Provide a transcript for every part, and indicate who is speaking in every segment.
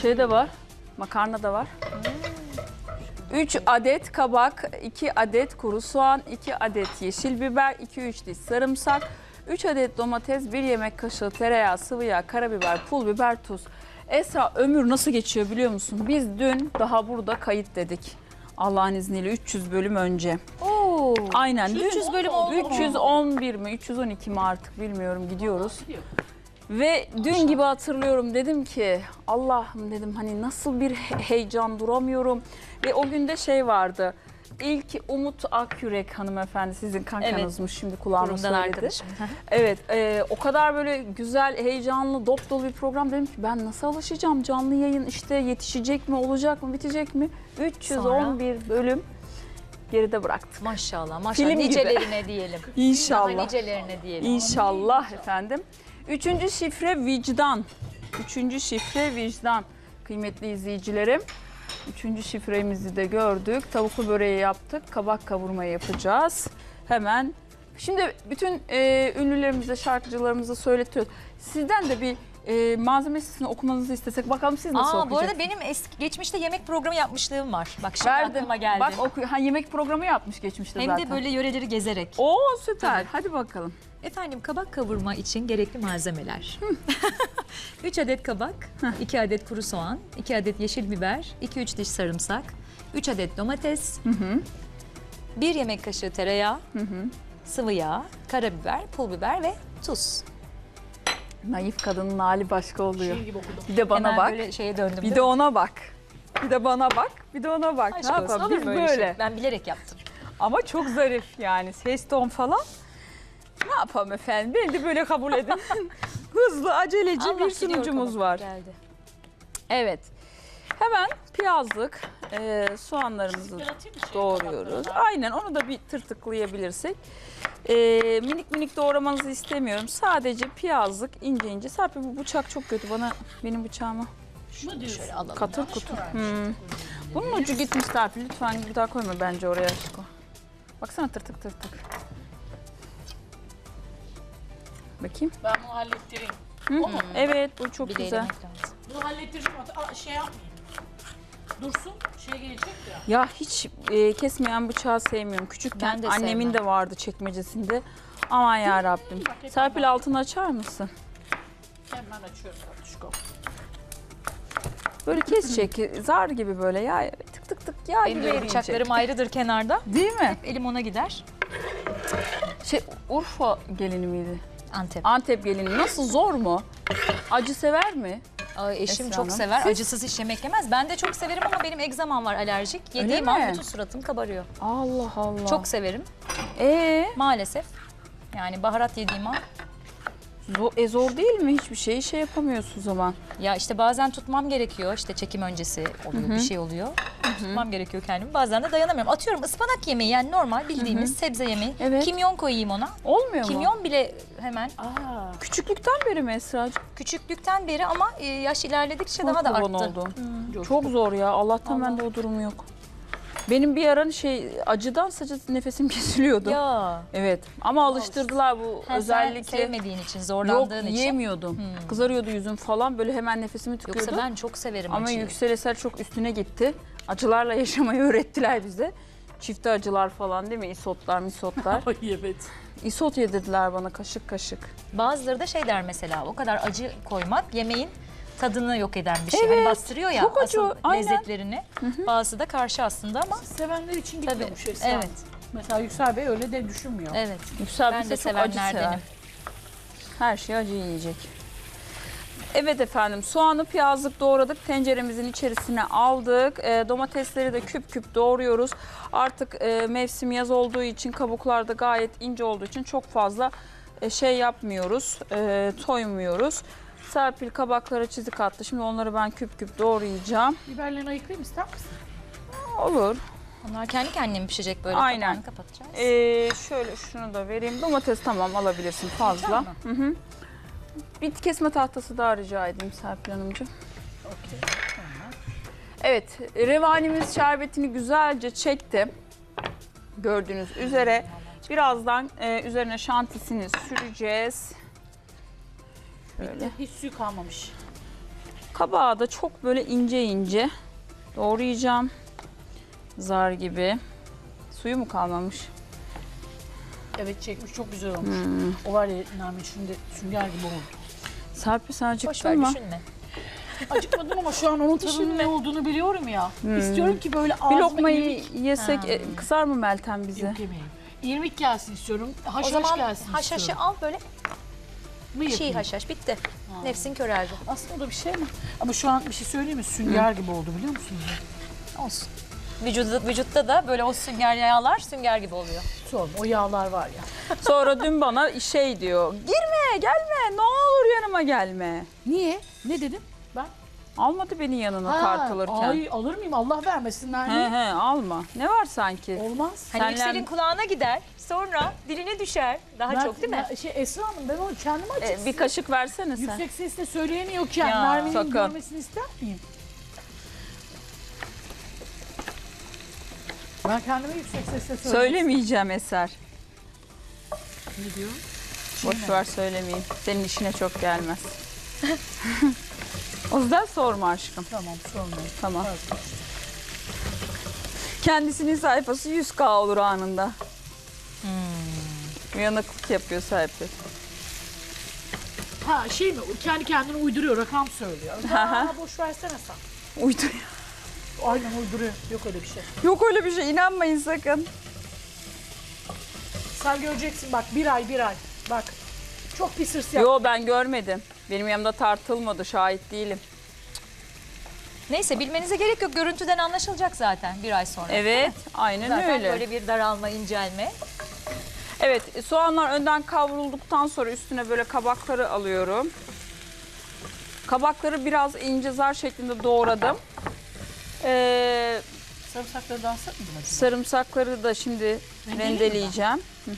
Speaker 1: Şey de var. Makarna da var. 3 adet kabak, 2 adet kuru soğan, 2 adet yeşil biber, 2-3 diş sarımsak, 3 adet domates, 1 yemek kaşığı tereyağı, sıvı yağ, karabiber, pul biber, tuz. Esra, ömür nasıl geçiyor biliyor musun? Biz dün daha burada kayıt dedik. Allah'ın izniyle 300 bölüm önce.
Speaker 2: Oo.
Speaker 1: Aynen.
Speaker 2: 300 bölüm oldu mu?
Speaker 1: 311 mi, 312 mi artık bilmiyorum, gidiyoruz. Ve dün gibi hatırlıyorum, dedim ki Allah'ım dedim hani nasıl bir heyecan, duramıyorum. Ve o günde şey vardı. İlk Umut Akyürek hanımefendi, sizin kankanızmış, şimdi kulağıma
Speaker 2: Kurumdan
Speaker 1: söyledi.
Speaker 2: arkadaşım.
Speaker 1: Evet, o kadar böyle güzel, heyecanlı, dop dolu bir program, dedim ki ben nasıl alışacağım, canlı yayın işte yetişecek mi, olacak mı, bitecek mi? 311 bölüm geride bıraktık.
Speaker 2: Maşallah maşallah.
Speaker 1: Film gibi.
Speaker 2: Nicelerine diyelim.
Speaker 1: İnşallah.
Speaker 2: Daha nicelerine diyelim.
Speaker 1: İnşallah efendim. 3. şifre vicdan. 3. şifre vicdan. Kıymetli izleyicilerim. 3. şifremizi de gördük. Tavuklu böreği yaptık. Kabak kavurmayı yapacağız. Hemen. Şimdi bütün ünlülerimize, şarkıcılarımıza söyletiyoruz. Sizden de bir malzeme listesini okumanızı istesek. Bakalım siz nasıl
Speaker 2: Bu
Speaker 1: okuyacaksınız?
Speaker 2: arada benim geçmişte yemek programı yapmışlığım var. Bak şimdi
Speaker 1: Verdim.
Speaker 2: aklıma geldi.
Speaker 1: Bak yemek programı yapmış geçmişte
Speaker 2: Hem
Speaker 1: zaten.
Speaker 2: de böyle yöreleri gezerek.
Speaker 1: Oo süper. Hadi bakalım.
Speaker 2: Efendim, kabak kavurma için gerekli malzemeler. 3 adet kabak, 2 adet kuru soğan, 2 adet yeşil biber, 2-3 diş sarımsak, 3 adet domates, 1 yemek kaşığı tereyağı, sıvı yağ, karabiber, pul biber ve tuz.
Speaker 1: Naif kadının hali başka oluyor. Bir de bana
Speaker 2: Hemen
Speaker 1: bak.
Speaker 2: böyle şeye döndüm.
Speaker 1: Bir de ona bak. Bir de bana bak. Bir de ona bak.
Speaker 2: Aşk
Speaker 1: Ne
Speaker 2: olsun,
Speaker 1: yapalım?
Speaker 2: olur
Speaker 1: Biz
Speaker 2: mu
Speaker 1: böyle.
Speaker 2: öyle şey? Ben bilerek yaptım.
Speaker 1: Ama çok zarif yani. Ses ton falan. Ne yapalım efendim? Beni de böyle kabul edin. Hızlı, aceleci
Speaker 2: Allah
Speaker 1: bir
Speaker 2: biliyor,
Speaker 1: sunucumuz
Speaker 2: kabak
Speaker 1: var.
Speaker 2: Geldi.
Speaker 1: Evet. Hemen piyazlık soğanlarımızı doğruyoruz. Aynen, onu da bir tırtıklayabilirsek. Minik minik doğramanızı istemiyorum. Sadece piyazlık, ince ince. Serpil, bu bıçak çok kötü. Benim bıçağıma
Speaker 2: Şöyle alalım.
Speaker 1: katır kutur. Bunun ucu gitmiş Serpil. Lütfen bir daha koyma bence oraya aşkım. Baksana, tırtık tırtık. Bakayım.
Speaker 3: Ben bunu hallettireyim.
Speaker 1: Evet, bu çok
Speaker 2: Bileği
Speaker 1: güzel.
Speaker 2: elemek lazım.
Speaker 3: Bunu hallettireceğim. Şey yapmayayım. Dursun. Şey gelecek ya.
Speaker 1: Ya hiç kesmeyen bıçağı sevmiyorum. Küçükken
Speaker 2: Ben de
Speaker 1: annemin
Speaker 2: sevmem.
Speaker 1: de vardı çekmecesinde. Aman ya Rabbim. Serpil, altını açar mısın?
Speaker 3: Hemen açıyorum Tatuşko.
Speaker 1: Böyle kesecek, zar gibi böyle ya, tık tık tık yağ
Speaker 2: Benim
Speaker 1: gibi
Speaker 2: de
Speaker 1: eriyecek.
Speaker 2: bıçaklarım ayrıdır kenarda.
Speaker 1: Değil mi?
Speaker 2: Elim ona gider.
Speaker 1: Urfa gelini miydi?
Speaker 2: Antep.
Speaker 1: Antep gelini. Nasıl, zor mu? Acı sever mi?
Speaker 2: Ay, eşim
Speaker 1: Esra
Speaker 2: çok
Speaker 1: Hanım.
Speaker 2: sever.
Speaker 1: Siz?
Speaker 2: Acısız hiç yemek yemez. Ben de çok severim ama benim egzamam var, alerjik.
Speaker 1: Öyle
Speaker 2: Yediğim
Speaker 1: mi?
Speaker 2: an bütün suratım kabarıyor.
Speaker 1: Allah Allah.
Speaker 2: Çok severim maalesef. Yani baharat yediğim an.
Speaker 1: Zor değil mi? Hiçbir şeyi yapamıyorsun o zaman.
Speaker 2: Ya işte bazen tutmam gerekiyor. İşte çekim öncesi oluyor, bir şey oluyor. Tutmam gerekiyor kendimi. Bazen de dayanamıyorum. Atıyorum ıspanak yemeği, yani normal bildiğimiz sebze yemeği.
Speaker 1: Evet.
Speaker 2: Kimyon koyayım ona.
Speaker 1: Olmuyor mu?
Speaker 2: Kimyon bile hemen
Speaker 1: Küçüklükten beri mi Esra'cığım?
Speaker 2: küçüklükten beri ama yaş ilerledikçe daha da
Speaker 1: Kurban
Speaker 2: arttı.
Speaker 1: oldum. Çok zor ya. Allah'tan bende o durum yok. Benim bir ara acıdan sadece nefesim kesiliyordu.
Speaker 2: Ya.
Speaker 1: Evet. Ama alıştırdılar bu
Speaker 2: Sen
Speaker 1: özellikle.
Speaker 2: sevmediğin için,
Speaker 1: Yok,
Speaker 2: zorlandığın için.
Speaker 1: yiyemiyordum. Kızarıyordu yüzüm falan. Böyle hemen nefesimi tıkıyordu.
Speaker 2: Yoksa ben çok severim
Speaker 1: Ama
Speaker 2: acıyı.
Speaker 1: Yüksel Eser çok üstüne gitti. Acılarla yaşamayı öğrettiler bize. Çifte acılar falan, değil mi? İsotlar, misotlar.
Speaker 3: Ay evet.
Speaker 1: İsot yedirdiler bana kaşık kaşık.
Speaker 2: Bazıları da şey der mesela, o kadar acı koymak yemeğin tadını yok eden bir şey.
Speaker 1: Evet,
Speaker 2: Hani bastırıyor ya
Speaker 1: çok acı,
Speaker 2: asıl
Speaker 1: aynen.
Speaker 2: lezzetlerini. Bazısı da karşı aslında ama
Speaker 3: Sevenler için
Speaker 2: tabii.
Speaker 3: gitmiyormuş Esra.
Speaker 2: Evet.
Speaker 3: Mesela Yüksel Bey öyle de düşünmüyor.
Speaker 2: Evet.
Speaker 1: Yüksel
Speaker 2: Ben
Speaker 1: bize
Speaker 2: de
Speaker 1: çok acı sever.
Speaker 2: sevenlerdenim.
Speaker 1: Her şey acı yiyecek. Evet efendim, soğanı piyazlık doğradık. Tenceremizin içerisine aldık. Domatesleri de küp küp doğruyoruz. Artık mevsim yaz olduğu için, kabuklar da gayet ince olduğu için çok fazla yapmıyoruz, toymuyoruz. Serpil kabaklara çizik attı. Şimdi onları ben küp küp doğrayacağım.
Speaker 3: Biberlerini ayıklayayım ister misin?
Speaker 1: Olur.
Speaker 2: Onlar kendi kendine mi pişecek böyle?
Speaker 1: Aynen.
Speaker 2: Kapağını kapatacağız.
Speaker 1: Şöyle şunu da vereyim. Domates tamam, alabilirsin fazla. Hı. Bir kesme tahtası daha rica edeyim Serpil Hanımcığım.
Speaker 3: Okey. Tamam.
Speaker 1: Evet, revanimiz şerbetini güzelce çekti. Gördüğünüz üzere. Birazdan üzerine şantisini süreceğiz. Şöyle.
Speaker 3: Hiç suyu kalmamış.
Speaker 1: Kabağı da çok böyle ince ince doğrayacağım. Zar gibi. Suyu mu kalmamış?
Speaker 3: Evet çekmiş çok güzel olmuş. O var ya Nermin şimdi sünger gibi oldu.
Speaker 1: Serpil sen
Speaker 2: Boş ver
Speaker 1: acıktın mı?
Speaker 2: düşünme.
Speaker 3: Acıkmadım ama şu an onun tadının ne olduğunu biliyorum ya. İstiyorum ki böyle
Speaker 1: Bir
Speaker 3: ağzıma
Speaker 1: lokmayı yesek kızar mı Meltem bize?
Speaker 3: Yok yemeğim. İrmik gelsin istiyorum.
Speaker 2: O
Speaker 3: Haşhaş
Speaker 2: zaman
Speaker 3: gelsin
Speaker 2: haşhaşı
Speaker 3: istiyorum.
Speaker 2: al böyle.
Speaker 3: Mı
Speaker 2: Çiğ
Speaker 3: yapayım?
Speaker 2: haşhaş bitti. Nefsin köreldi.
Speaker 3: Aslında o da bir şey mi? Ama şu an bir şey söyleyeyim mi? Sünger gibi oldu biliyor musunuz?
Speaker 2: Olsun. Vücutta da böyle o sünger yağlar sünger gibi oluyor.
Speaker 3: Sorma o yağlar var ya.
Speaker 1: Sonra dün bana şey diyor. Girme gelme ne olur yanıma gelme.
Speaker 3: Niye? Ne dedim? Ben?
Speaker 1: Almadı beni yanına tartılırken.
Speaker 3: Ay alır mıyım? Allah vermesin
Speaker 1: He
Speaker 3: Nermin.
Speaker 1: he alma. Ne var sanki?
Speaker 3: Olmaz.
Speaker 2: Hani
Speaker 1: Senle-
Speaker 2: Yüksel'in kulağına gider sonra diline düşer. Daha
Speaker 3: Ben-
Speaker 2: çok değil mi?
Speaker 3: Esra Hanım ben onu kendime açık.
Speaker 1: Bir kaşık versene sen.
Speaker 3: Yüksek sesle söyleyemiyorken
Speaker 2: Ya,
Speaker 3: Nermin'in
Speaker 1: sakın.
Speaker 3: görmesini ister miyim? Ben kendime yüksek sesle söyleyeyim.
Speaker 1: Söylemeyeceğim Eser.
Speaker 3: Ne diyor?
Speaker 1: Boş ver söylemeyeyim. Senin işine çok gelmez. O yüzden sorma aşkım.
Speaker 3: Tamam sormayın.
Speaker 1: Tamam. Kendisinin sayfası 100K olur anında. Uyanıklık yapıyor Serpil.
Speaker 3: Ha şey mi? Kendi kendine uyduruyor, rakam söylüyor. Ha, boş versene sen.
Speaker 1: Uyduruyor.
Speaker 3: Aynen uyduruyor. Yok öyle bir şey.
Speaker 1: Yok öyle bir şey inanmayın sakın.
Speaker 3: Sen göreceksin bak bir ay. Bak. Çok pis hırs yap.
Speaker 1: Yo ben görmedim. Benim yanımda tartılmadı şahit değilim.
Speaker 2: Neyse bilmenize gerek yok. Görüntüden anlaşılacak zaten bir ay sonra.
Speaker 1: Evet aynen
Speaker 2: Zaten
Speaker 1: öyle.
Speaker 2: böyle bir daralma, incelme.
Speaker 1: Evet soğanlar önden kavrulduktan sonra üstüne böyle kabakları alıyorum. Kabakları biraz ince zar şeklinde doğradım.
Speaker 3: Sarımsakları da alsak mıydım acaba?
Speaker 1: Sarımsakları da şimdi
Speaker 3: Rendeleyeyim mi
Speaker 1: rendeleyeceğim.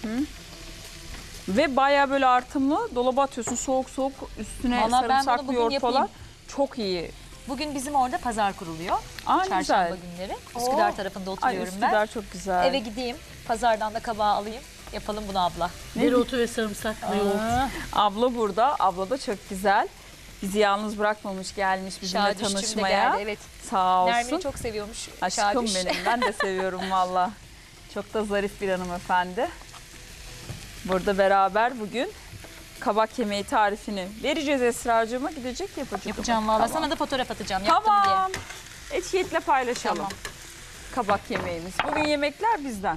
Speaker 1: Ve bayağı böyle artımlı dolaba atıyorsun soğuk soğuk üstüne
Speaker 2: Vallahi ben bunu
Speaker 1: sarımsaklı
Speaker 2: bugün
Speaker 1: yoğurt falan.
Speaker 2: yapayım.
Speaker 1: Çok iyi.
Speaker 2: Bugün bizim orada pazar kuruluyor.
Speaker 1: Aa,
Speaker 2: Çarşamba
Speaker 1: güzel.
Speaker 2: günleri. Üsküdar tarafında
Speaker 1: Ay
Speaker 2: oturuyorum
Speaker 1: Üsküdar
Speaker 2: ben.
Speaker 1: çok güzel.
Speaker 2: Eve gideyim. Pazardan da kabağı alayım. Yapalım bunu abla.
Speaker 3: Dereotu ve sarımsaklı yoğurt.
Speaker 1: Abla burada. Abla da çok güzel. Bizi yalnız bırakmamış gelmiş bizimle
Speaker 2: Şadüş'cüm de
Speaker 1: tanışmaya.
Speaker 2: geldi. Evet.
Speaker 1: Sağ olsun.
Speaker 2: Nermin'i çok seviyormuş.
Speaker 1: Aşkım
Speaker 2: Şadüş.
Speaker 1: benim. Ben de seviyorum valla. Çok da zarif bir hanımefendi. Burada beraber bugün kabak yemeği tarifini vereceğiz Esra'cığıma. Gidecek yapacak.
Speaker 2: Yapacağım valla.
Speaker 1: Tamam.
Speaker 2: Sana da fotoğraf atacağım. Yaptım diye.
Speaker 1: Tamam. Etiyetle paylaşalım.
Speaker 2: Tamam.
Speaker 1: Kabak yemeğimiz. Bugün yemekler bizden.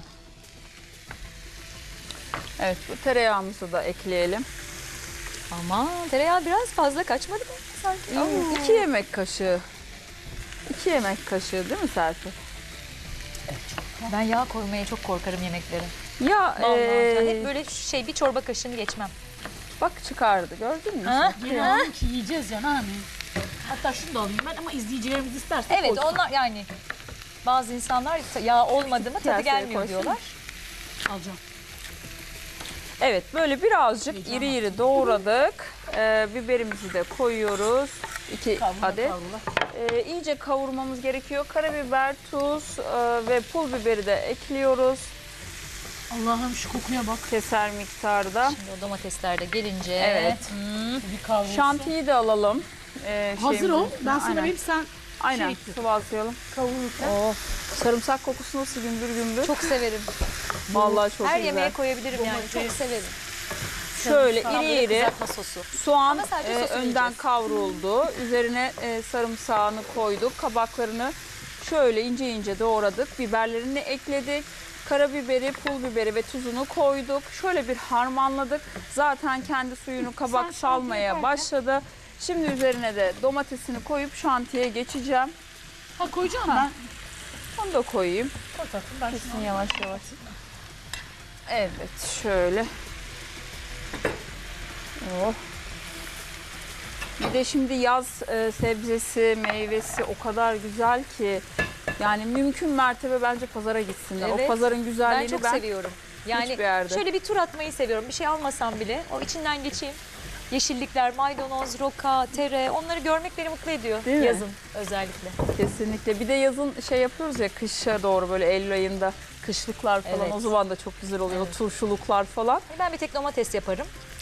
Speaker 1: Evet bu tereyağımızı da ekleyelim.
Speaker 2: Aman tereyağı biraz fazla kaçmadı mı sanki?
Speaker 1: 2 yemek kaşığı. 2 yemek kaşığı değil mi Serpil?
Speaker 2: Ben yağ koymaya çok korkarım yemeklere.
Speaker 1: Ya
Speaker 2: Vallahi hep böyle bir çorba kaşığını geçmem.
Speaker 1: bak çıkardı gördün mü?
Speaker 2: Ha?
Speaker 3: Yine alalım ki yiyeceğiz ya Nermin. Hatta şunu da alayım ben ama izleyicilerimiz isterse
Speaker 2: Evet
Speaker 3: koy.
Speaker 2: onlar yani bazı insanlar yağ olmadı mı tadı
Speaker 1: Kaseye
Speaker 2: gelmiyor
Speaker 1: koysana.
Speaker 2: diyorlar.
Speaker 3: Alacağım.
Speaker 1: Evet böyle birazcık
Speaker 3: Heyecan
Speaker 1: iri iri doğradık. Biberimizi de koyuyoruz. 2
Speaker 3: Kavrula,
Speaker 1: adet.
Speaker 3: kavrula.
Speaker 1: İyice kavurmamız gerekiyor. Karabiber, tuz ve pul biberi de ekliyoruz.
Speaker 3: Allah'ım şu kokuya bak.
Speaker 1: Keser miktarda.
Speaker 2: Şimdi o domatesler de gelince.
Speaker 1: Evet.
Speaker 3: Bir kavrulsun.
Speaker 1: Şantiyi de alalım.
Speaker 3: Hazır ol.
Speaker 1: şeyimizin
Speaker 3: Ben sana
Speaker 1: Aynen.
Speaker 3: vereyim sen
Speaker 1: Aynen
Speaker 3: şey
Speaker 1: sıvazlayalım.
Speaker 3: kavururken.
Speaker 1: Of. Sarımsak kokusu nasıl gümbür gümbür.
Speaker 2: Çok severim.
Speaker 1: Vallahi çok
Speaker 2: Her
Speaker 1: güzel.
Speaker 2: yemeğe koyabilirim yani. Çok severim.
Speaker 1: Şöyle
Speaker 2: Tam
Speaker 1: iri
Speaker 2: böyle
Speaker 1: iri
Speaker 2: kızartma sosu.
Speaker 1: soğan
Speaker 2: Ama sadece sosunu
Speaker 1: önden
Speaker 2: yiyeceğiz.
Speaker 1: kavruldu. Üzerine sarımsağını koyduk. Kabaklarını şöyle ince ince doğradık. Biberlerini ekledik. Karabiberi, pul biberi ve tuzunu koyduk. Şöyle bir harmanladık. Zaten kendi suyunu kabak salmaya başladı. Şimdi üzerine de domatesini koyup şantiye geçeceğim.
Speaker 3: Ha koyacağım ben.
Speaker 1: Onu da koyayım.
Speaker 3: Koy tatlım ben şunu
Speaker 1: Yavaş yavaş. Evet şöyle. Oh. Bir de şimdi yaz sebzesi, meyvesi o kadar güzel ki yani mümkün mertebe bence pazara gitsinler. O
Speaker 2: Evet.
Speaker 1: pazarın
Speaker 2: Ben
Speaker 1: güzelliğini
Speaker 2: çok
Speaker 1: ben
Speaker 2: seviyorum. Yani
Speaker 1: hiçbir yerde.
Speaker 2: şöyle bir tur atmayı seviyorum. Bir şey almasam bile o içinden geçeyim. Yeşillikler, maydanoz, roka, tere onları görmek beni mutlu ediyor.
Speaker 1: Değil mi?
Speaker 2: Yazın özellikle.
Speaker 1: Kesinlikle. Bir de yazın şey yapıyoruz ya kışa doğru böyle Eylül ayında kışlıklar falan
Speaker 2: Evet.
Speaker 1: o zaman da çok güzel oluyor.
Speaker 2: Evet.
Speaker 1: O turşuluklar falan.
Speaker 2: Ben bir tek domates yaparım.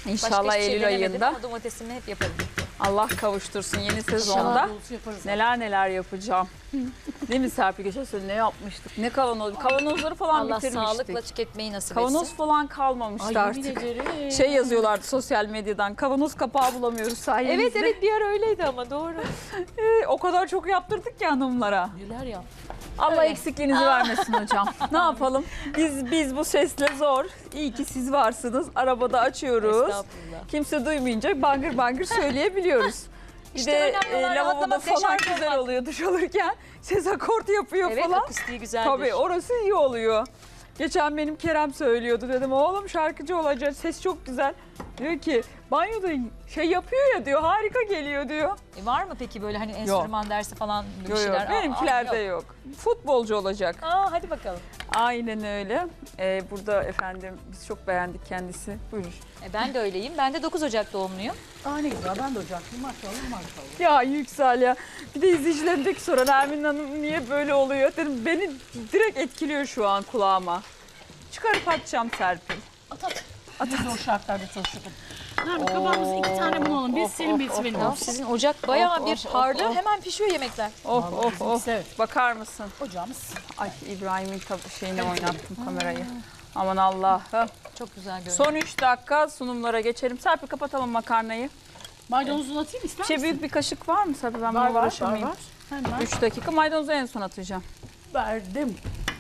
Speaker 1: İnşallah
Speaker 2: Başka hiçbir şey
Speaker 1: Eylül
Speaker 2: denemedim
Speaker 1: ayında.
Speaker 2: ama domatesimi hep yaparım.
Speaker 1: Allah kavuştursun yeni
Speaker 3: İnşallah
Speaker 1: sezonda.
Speaker 3: dolusu yaparız.
Speaker 1: Neler neler yapacağım. Değil mi Serpil? Geçen sene ne yapmıştık? Ne kavanoz? Kavanozları falan
Speaker 2: Allah
Speaker 1: bitirmiştik.
Speaker 2: sağlıkla tüketmeyi nasip
Speaker 1: Kavanoz
Speaker 2: etsin.
Speaker 1: falan kalmamıştı
Speaker 3: Ay yemin
Speaker 1: artık.
Speaker 3: ederim.
Speaker 1: Şey yazıyorlardı sosyal medyadan. Kavanoz kapağı bulamıyoruz sayenizde.
Speaker 2: Evet evet bir ara öyleydi ama doğru.
Speaker 1: O kadar çok yaptırdık ki hanımlara.
Speaker 3: Neler ya.
Speaker 1: Allah
Speaker 2: Öyle.
Speaker 1: eksikliğinizi vermesin hocam. Ne yapalım? Biz bu sesle zor. İyi ki siz varsınız. Arabada açıyoruz.
Speaker 2: Estağfurullah.
Speaker 1: Kimse duymayınca bangır bangır söyleyebiliyoruz. Bir
Speaker 2: İşte
Speaker 1: de
Speaker 2: önemli olan
Speaker 1: lavaboda
Speaker 2: rahatlamak,
Speaker 1: falan
Speaker 2: deşarj
Speaker 1: güzel
Speaker 2: olmak.
Speaker 1: oluyor duş alırken. Ses akort yapıyor
Speaker 2: Evet
Speaker 1: falan.
Speaker 2: akustiği güzeldir.
Speaker 1: Tabii orası iyi oluyor. Geçen benim Kerem söylüyordu, dedim oğlum şarkıcı olacak, ses çok güzel. Diyor ki banyoda şey yapıyor ya diyor, harika geliyor diyor.
Speaker 2: Var mı peki böyle hani enstrüman dersi falan bir
Speaker 1: Yok
Speaker 2: şeyler?
Speaker 1: yok benimkilerde yok. Futbolcu olacak.
Speaker 2: Hadi bakalım.
Speaker 1: Aynen öyle. Burada efendim biz çok beğendik kendisi. Buyurun.
Speaker 2: Ben de öyleyim. Ben de 9 Ocak doğumluyum.
Speaker 3: Aa ne güzel, ben de ocaklıyım. Maşallah maşallah.
Speaker 1: Ya Yüksel ya. Bir de izleyicilerindeki soran Ermin Hanım niye böyle oluyor? Dedim beni direkt etkiliyor şu an kulağıma. Çıkarıp atacağım Serpil.
Speaker 3: At. Ne zor şartlarda çalışıyorum. Nermin kabağımızı 2 tane bulalım. Birisi senin birisi benim
Speaker 2: Ya
Speaker 3: olsun.
Speaker 2: sizin ocak bayağı
Speaker 1: Of,
Speaker 2: bir
Speaker 1: of,
Speaker 2: harlı.
Speaker 1: of.
Speaker 2: Hemen pişiyor yemekler.
Speaker 1: Oh
Speaker 3: Vallahi
Speaker 1: oh
Speaker 3: bizimkisi
Speaker 1: oh.
Speaker 3: evet.
Speaker 1: Bakar mısın?
Speaker 3: Ocağımız.
Speaker 1: Ay İbrahim'in şeyine oynattım kamerayı. Aman Allah'ım.
Speaker 2: Çok güzel görünüyor.
Speaker 1: Son 3 dakika sunumlara geçelim. Serpil kapatalım makarnayı.
Speaker 3: Maydanozunu atayım ister misin?
Speaker 1: Büyük bir kaşık var mı Serpil? Ben
Speaker 3: Var
Speaker 1: buna
Speaker 3: var
Speaker 1: uğraşamayayım.
Speaker 3: var. Hemen
Speaker 1: 3 dakika maydanozu en son atacağım.
Speaker 3: verdim.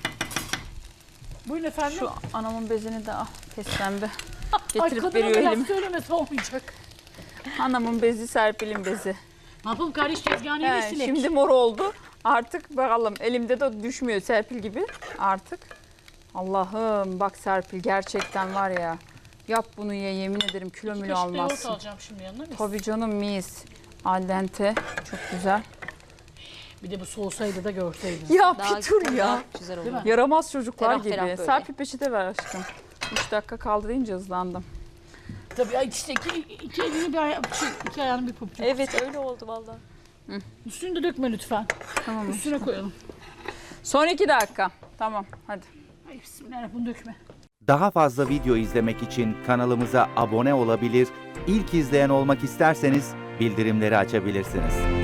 Speaker 3: Buyurun efendim.
Speaker 1: Şu anamın bezini de pes pembe.
Speaker 3: Ay
Speaker 1: Getirip
Speaker 3: kadına
Speaker 1: veriyor
Speaker 3: da laf
Speaker 1: elim.
Speaker 3: söylemesi olmayacak.
Speaker 1: Anamın bezi Serpil'in bezi.
Speaker 3: Ne yapalım kardeş tezgahını
Speaker 1: He,
Speaker 3: ele silek.
Speaker 1: şimdi mor oldu. Artık bakalım elimde de düşmüyor Serpil gibi artık. Allah'ım bak Serpil gerçekten var ya. Yap bunu ye yemin ederim kilo
Speaker 3: İki
Speaker 1: mülü
Speaker 3: kaşık da yoğurt
Speaker 1: almazsın.
Speaker 3: alacağım şimdi yanına. Mis.
Speaker 1: Tabii canım mis. Al dente çok güzel.
Speaker 3: Bir de bu soğusaydı da görseydiniz.
Speaker 1: Ya
Speaker 2: Daha
Speaker 1: bir tur ya.
Speaker 2: daha güzel olur.
Speaker 3: Değil mi?
Speaker 1: Yaramaz çocuklar
Speaker 2: Ferah
Speaker 1: gibi.
Speaker 2: ferah böyle.
Speaker 1: Serpil peçete ver aşkım. 3 dakika kaldı deyince hızlandım.
Speaker 3: Tabii ay işte iki elini bir iki ayağını bir pabucu.
Speaker 2: Evet öyle oldu vallahi.
Speaker 3: Üstünü de dökme lütfen.
Speaker 1: Tamam.
Speaker 3: Üstüne koyalım.
Speaker 1: Son 2 dakika. Tamam hadi.
Speaker 3: Ay bismillahirrahmanirrahim bunu dökme.
Speaker 4: Daha fazla video izlemek için kanalımıza abone olabilir, ilk izleyen olmak isterseniz bildirimleri açabilirsiniz.